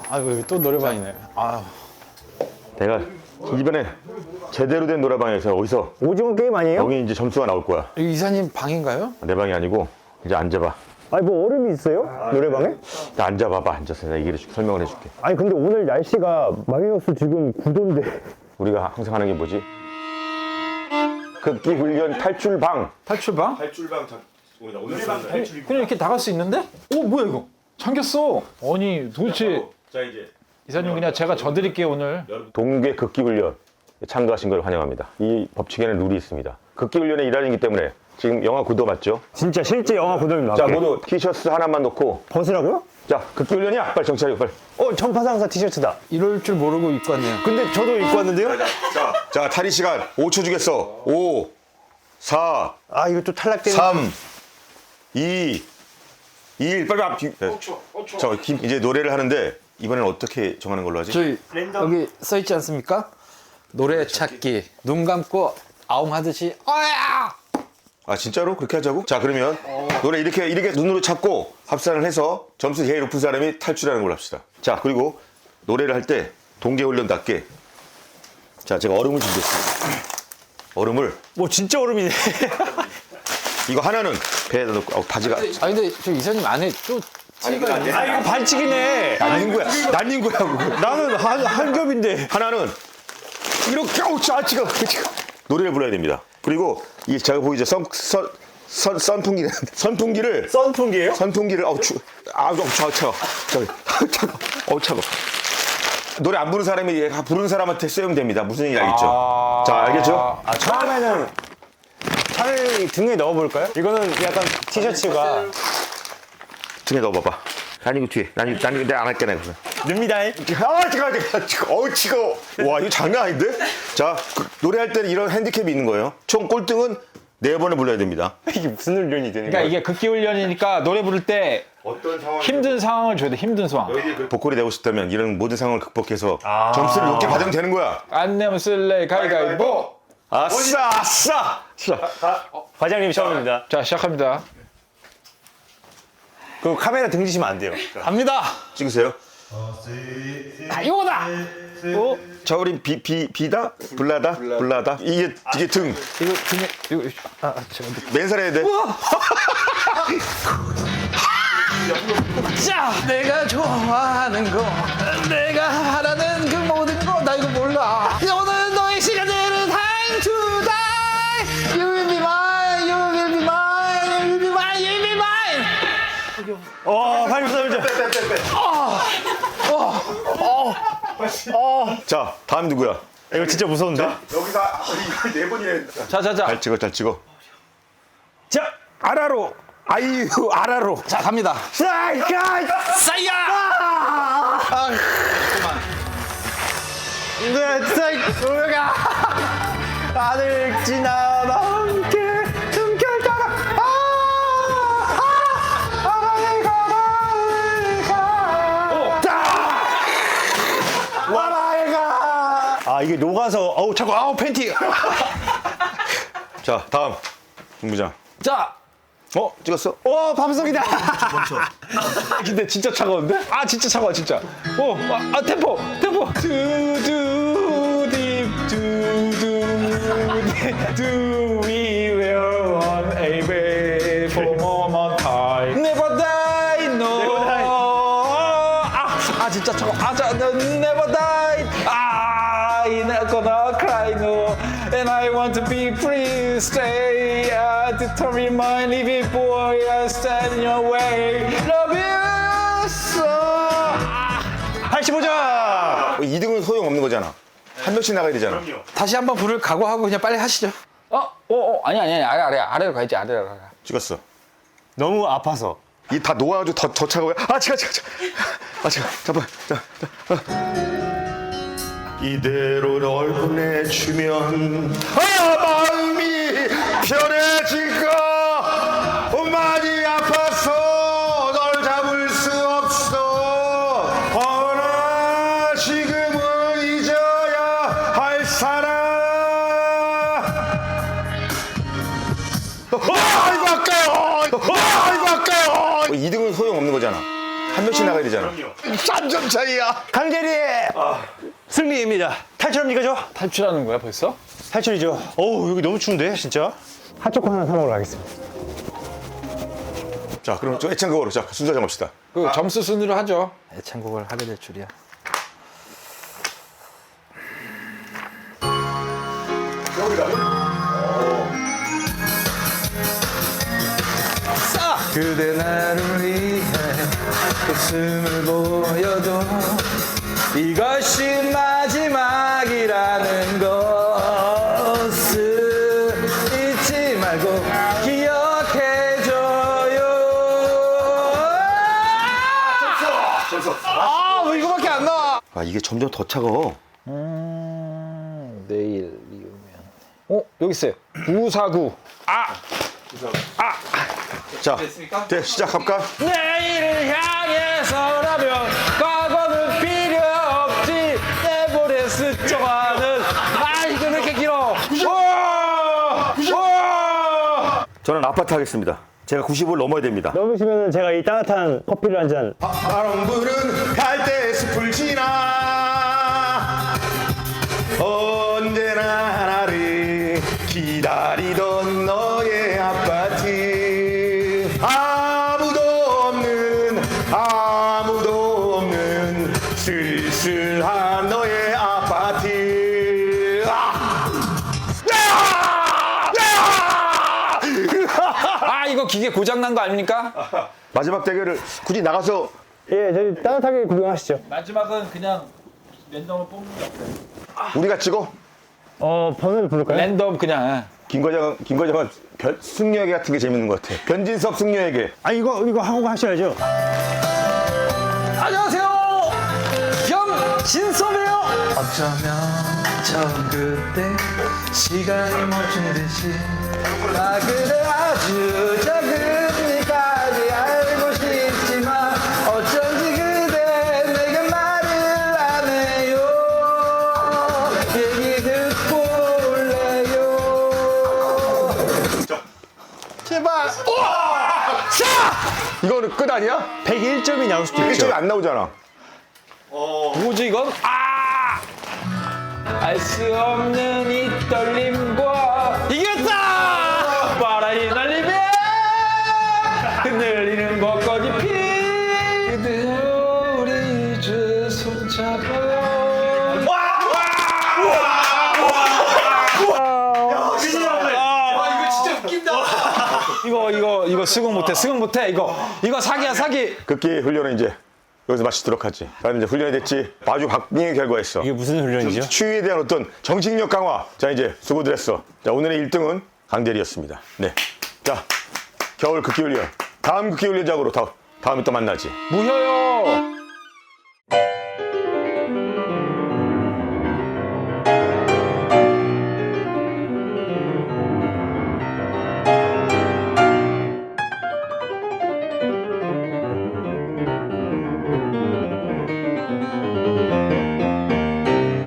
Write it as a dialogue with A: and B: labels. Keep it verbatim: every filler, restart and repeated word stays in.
A: 아유 또 노래방이네. 아
B: 내가 이번에 제대로 된 노래방에서 어디서
C: 오징어 게임 아니에요?
B: 여기 이제 점수가 나올 거야.
A: 여기 이사님 방인가요?
B: 내 방이 아니고 이제 앉아봐.
C: 아니 뭐 얼음이 있어요? 노래방에?
B: 나 앉아봐봐. 앉아서 내가 얘기를 해줄게. 설명을 해줄게.
C: 아니 근데 오늘 날씨가 마이너스 지금 구 도인데
B: 우리가 항상 하는 게 뭐지? 극기 훈련 탈출방.
A: 탈출방?
B: 탈출방 오늘 탈출.
A: 그냥 이렇게 나갈 수 있는데? 오 뭐야 이거? 잠겼어. 아니 도대체
B: 자 이제
A: 이사님 그냥 제가 져드릴게요 오늘.
B: 동계 극기 훈련 참가하신 걸 환영합니다. 이 법칙에는 룰이 있습니다. 극기 훈련의 일환이기 때문에 지금 영하 구 도 맞죠?
C: 진짜 실제 영화 고등입니다.
B: 자 모두 티셔츠 하나만 놓고
C: 벗으라고요?
B: 자 극기 훈련이야. 빨리 정찰해 빨리.
C: 어 전파상사 티셔츠다.
A: 이럴 줄 모르고 입고 왔네요.
C: 근데 저도 입고 왔는데요?
B: 자, 자 탈의 시간 오 초 주겠어. 오, 사,
C: 아 이거 또 탈락되는.
B: 삼, 이, 일 빨리 앞. 오 초, 오 초. 자 김- 이제 노래를 하는데 이번엔 어떻게 정하는 걸로 하지?
A: 저희 여기 써 있지 않습니까? 노래 찾기. 눈 감고 아웅 하듯이 어야!
B: 아 진짜로 그렇게 하자고? 자 그러면 노래 이렇게 이렇게 눈으로 찾고 합산을 해서 점수 제일 높은 사람이 탈출하는 걸로 합시다. 자 그리고 노래를 할 때 동계훈련답게 자 제가 얼음을 준비했습니다. 얼음을
C: 뭐 진짜 얼음이네.
B: 이거 하나는 배에다 넣고 어, 바지가
A: 아 근데 저 이사님 안에 또 티가 있네.
C: 아 이거 반칙이네.
B: 날린 거야 날린 거야 그거.
C: 나는 한, 한 겹인데.
B: 하나는 이렇게 어우 아 지금 노래를 불러야 됩니다. 그리고 이 제가 보이죠 선, 선, 선, 선풍기 선풍기를
C: 선풍기예요?
B: 선풍기를 어우 추 아우 차워 차워 저기 차워 어우 차워 노래 안 부르는 사람이 부르는 사람한테 쓰면 됩니다. 무슨 얘기 알겠죠?
A: 아...
B: 자 알겠죠?
C: 아 처음에는 차를 등에 넣어볼까요? 이거는 약간 티셔츠가
B: 등에 넣어봐봐. 난 이거 뒤에 난 이거 난 이거 내가 안 할게 내가.
C: 늡니다.
B: 아 지금 지금 지금 어우 치고 와 이거 장난 아닌데? 자 그, 노래할 때는 이런 핸디캡이 있는 거예요. 총 꼴등은 네 번을 불러야 됩니다.
C: 이게 무슨 훈련이 되는
A: 그러니까
C: 거야?
A: 이게 극기 훈련이니까 노래 부를 때
B: 어떤 상황
A: 힘든 상황을 줘야 돼. 힘든 상황.
B: 보컬이 되고 싶다면 이런 모든 상황을 극복해서
C: 아.
B: 점수를 높게 받으면 되는 거야.
A: 안 내면 쓸래 가위가위보.
B: 아싸 아싸.
C: 과장님 처음입니다.
A: 자 시작합니다.
C: 그 카메라 등지시면 안 돼요.
A: 갑니다.
B: 찍으세요.
A: 아, 이거다. 어?
B: 자 우리 비 비 비다 불라다 불라다 이게 이게 등
A: 이거 등에 이거 아 제가
B: 맨살 해야 돼.
A: 자 내가 좋아하는 거 내가 하라는 그 모든 거 나 이거 몰라. 오늘 너의 시간들은 time to die. You will be mine. You will be mine. You will be mine. You will be mine.
C: 어, 팔십삼 점.
B: 자 다음 누구야?
C: 이거 진짜 무서운데?
B: 여기서 이거 네 번이나
A: 자자자.
B: 잘 찍어 잘 찍어.
C: 자, 아라로. 아이유, 아라로.
A: 자 갑니다.
C: 사이가
A: 싸야. 아 그만.
C: 네, 사이 우리가 하늘 지나다 함께 숨결 따라 아, 아, 아라를 가라 가. 와라를 가. 아 이게 녹아서 어우 자꾸 아우 팬티.
B: 자 다음 김부장.
A: 자.
B: 어 찍었어?
C: 오 밤송이다.
A: 근데 진짜 차가운데? 아 진짜 차가워 진짜. 오, 아, 아 템포, 템포. 두두 딥두두 Do we will on a way for moment time? Never die, no.
C: Never die.
A: 아, 아 진짜 차가워. 아, 자, never die. 아, I'm not gonna cry, no. And I want to be free, stay. I determine my living boy. I stand in your way. Love you so. 아.
C: 팔십오 점.
B: 이 등은 소용 없는 거잖아. 한 명씩 나가야 되잖아.
A: 다시 한번 부를 각오하고 그냥 빨리 하시죠. 어, 어, 어, 아니, 아니, 아니, 아래, 아래, 아래로 가야지, 아래로 가.
B: 찍었어.
C: 너무 아파서.
B: 이 다 녹아가지고 더, 더 차가워요. 아, 지가, 지가, 지가. 아, 지가. 잠깐. 자, 자. 어. 이대로 널 보내주면 아, 마음이 편해질까? 많이 아파서 널 잡을 수 없어. 허나 지금은 잊어야 할 사람. 아, 이거 아까요. 아, 이거 아까요. 이 등은 소용 없는 거잖아. 한 한 명씩 나가야 되잖아. 삼 점 차이야.
C: 강대리의 승리입니다. 탈출합니까, 저?
A: 탈출하는 거야 벌써?
C: 탈출이죠. 어우, 여기 너무 추운데, 진짜. 핫초코 하나 사 먹으러 가겠습니다.
B: 자, 그럼 좀 애창곡으로 자 순서 정합시다.
A: 그 점수 순으로 하죠.
D: 애창곡을 하게 될 줄이야.
A: 그대 나를 위해 웃음을 보여도 이것이 마지막이라는 것을 잊지 말고 기억해줘요.
C: 아, 왜 이거밖에 안 나와?
B: 아, 이게 점점 더 차가워.
A: 음, 내일 이으면 어? 여기 있어요. 구사구. 아!
B: 자, 네, 시작할까?
A: 내일을 향해서라면 과거는 필요 없지. 내버려 스쳐가는. 아, 이거 왜 이렇게 길어? 우와! 우와!
B: 저는 아파트 하겠습니다. 제가 구십오를 넘어야 됩니다.
C: 넘으시면 제가 이 따뜻한 커피를 한 잔.
B: 바람 부는 갈대 숲을 지나 언제나 나를 기다리던 너의 아파트. 아무도 없는 아무도 없는 쓸쓸한 너의 아파트. 아!
A: 아, 이거 기계 고장난 거 아닙니까?
B: 마지막 대결을 굳이 나가서
C: 예, 저희 따뜻하게 구경하시죠.
A: 마지막은 그냥 랜덤을 뽑는 게 없어요.
B: 우리가 찍어?
C: 어, 번호를 부를까요?
A: 랜덤 그냥.
B: 김과장, 김과장은 변, 승려에게 같은 게 재밌는 것 같아. 변진섭 승려에게.
C: 아, 이거, 이거 하고 하셔야죠.
A: 안녕하세요. 겸진섭이에요. 어쩌면 처음 그때 시간이 멈춘 듯이 나 그대 아주 적은이까지 알고 싶지만 어쩐지 그대 내게 말을 안 해요. 얘기 듣고 올래요.
B: 제발. 자! 이거는 끝 아니야?
C: 백일 점이 나올 수도
B: 일
C: 있죠.
B: 점이 안 나오잖아.
A: 뭐지 이건? 아! 알 수 없는 이 떨림과 이겼다! 바람이 날리며 흔들리는 벚꽃이 피 그대여 우리 이제 손잡아요. 이거 이거 이거 수긍 못해 수긍 못해 이거 이거 사기야 사기.
B: 극기 훈련은 이제 여기서 마치도록 하지. 나는 이제 훈련이 됐지. 아주 박빙의 결과였어.
C: 이게 무슨 훈련이죠?
B: 추위에 대한 어떤 정신력 강화. 자, 이제 수고들 했어. 자, 오늘의 일 등은 강대리였습니다. 네. 자, 겨울 극기 훈련. 다음 극기 훈련장으로 다, 다음에 또 만나지.
A: 무효요.